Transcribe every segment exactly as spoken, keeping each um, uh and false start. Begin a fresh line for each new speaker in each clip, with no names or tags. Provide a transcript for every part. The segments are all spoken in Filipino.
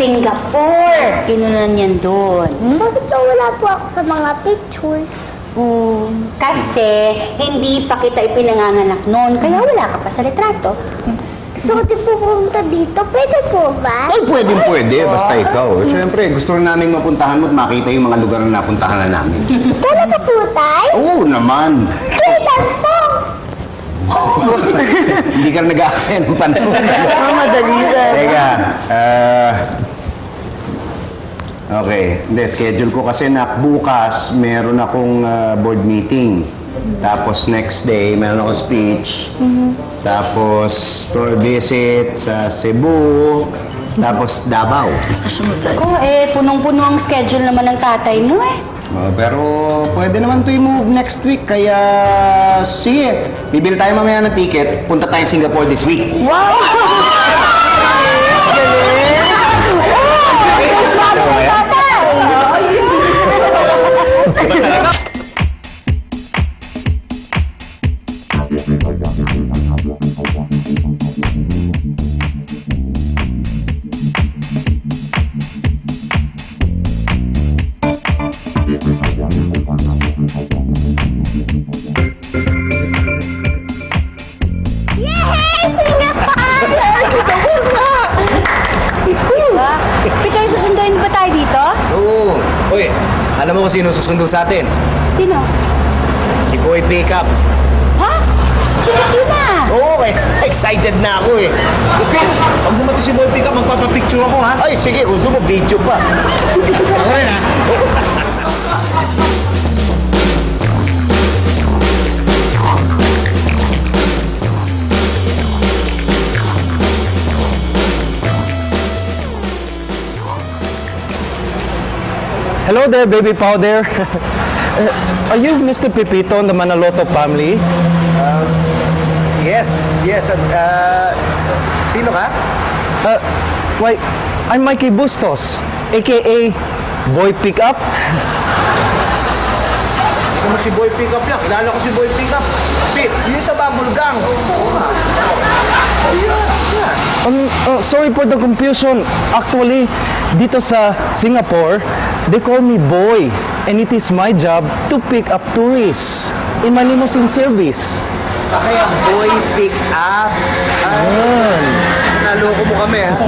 Singapore. Kinunan yan doon.
Bakit daw wala po ako sa mga pictures?
Hmm, kasi hindi pa kita ipinanganganak noon, kaya wala ka pa sa litrato.
Gusto ko din po pumunta dito. Pwede po ba?
Ay, pwedeng pwede, basta ikaw. Siyempre, gusto rin namin mapuntahan mo at makita yung mga lugar na napuntahan na namin.
Talaga po, tay?
Oo naman.
Kailan po?
Hindi ka nag-aaksaya ng panahon.
Oh, madali siya.
Teka, ah... okay, hindi, schedule ko kasi na bukas meron akong ah, board meeting. Tapos next day, meron akong speech. Tapos store visit sa Cebu. Tapos Davao.
Ko, eh, punong-puno ang schedule naman ng tatay mo eh.
Oh, pero pwede naman to i-move next week, kaya sige, bibili tayo mamaya ng ticket, punta tayo Singapore this week.
Wow! Pitoy, susunduin ba tayo dito?
Oo. Uy, alam mo kung sino susundo sa atin?
Sino?
Si Boy Pickup.
Ha? Sinit yun na!
Oo, eh, excited na ako eh. Pits, pag dumating si Boy Pickup, magpapapicture ako ha? Ay, sige, gusto mo, video pa. Ako rin ha?
Hello there, baby powder. Uh, are you Mister Pepito in the Manaloto family?
Yes, yes. At, uh, sino ka?
Uh, why, I'm Mikey Bustos, aka Boy Pickup.
Ikaw mo si Boy Pickup lang. Kilala ko si Boy Pickup. Pits, yun sa Bubble Gang.
Um, uh, sorry for the confusion. Actually, dito sa Singapore, they call me Boy, and it is my job to pick up tourists in my limousine service.
Ah, kaya Boy Pickup.
Ayun.
Naloko mo kami ha?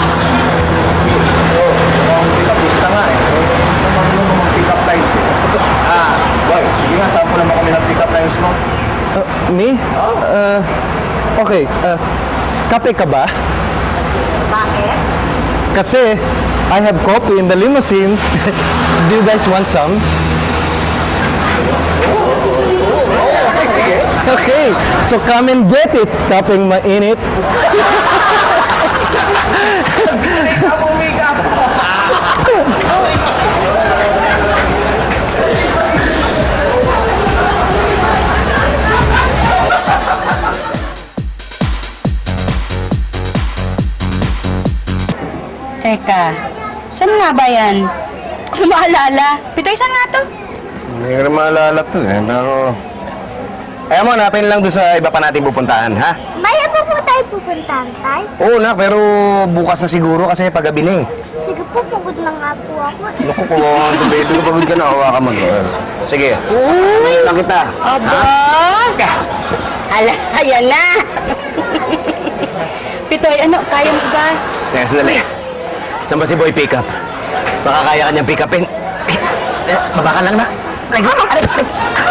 Oo, mukhang pick-upista nga eh. Naman mo mga pick-up lines eh. Ah, boy, sige nga, sample naman kami ng pick-up lines mo.
Uh, me? Uh, okay, uh, kape ka ba?
Bakit?
Kasi I have coffee in the limousine. Do you guys want some?
Sige.
Okay, so come and get it, kapeng mainit.
Ako make-up.
Teka, saan nga ba yan? Kung maalala. Pitoy, saan nga to?
Hindi ko rin maalala to eh, pero... Ayaw mo, hanapin lang doon sa iba pa natin pupuntahan, ha?
Maya pa po tayo pupuntahan, tay?
Oo na, pero bukas na siguro kasi paggabi na eh.
Sige po, pagod na nga po ako.
Naku, kawawa ka baby ko, pagod ka na, hawa ka mag... Sige, uy! Lang kita.
Aba! Ala, ayan na! Pitoy, ano, kaya mo ba?
Teka, sandali. Saan ba si Boy Pickup? Baka kaya ka niyang pick upin. Eh, baba ka lang na. Like,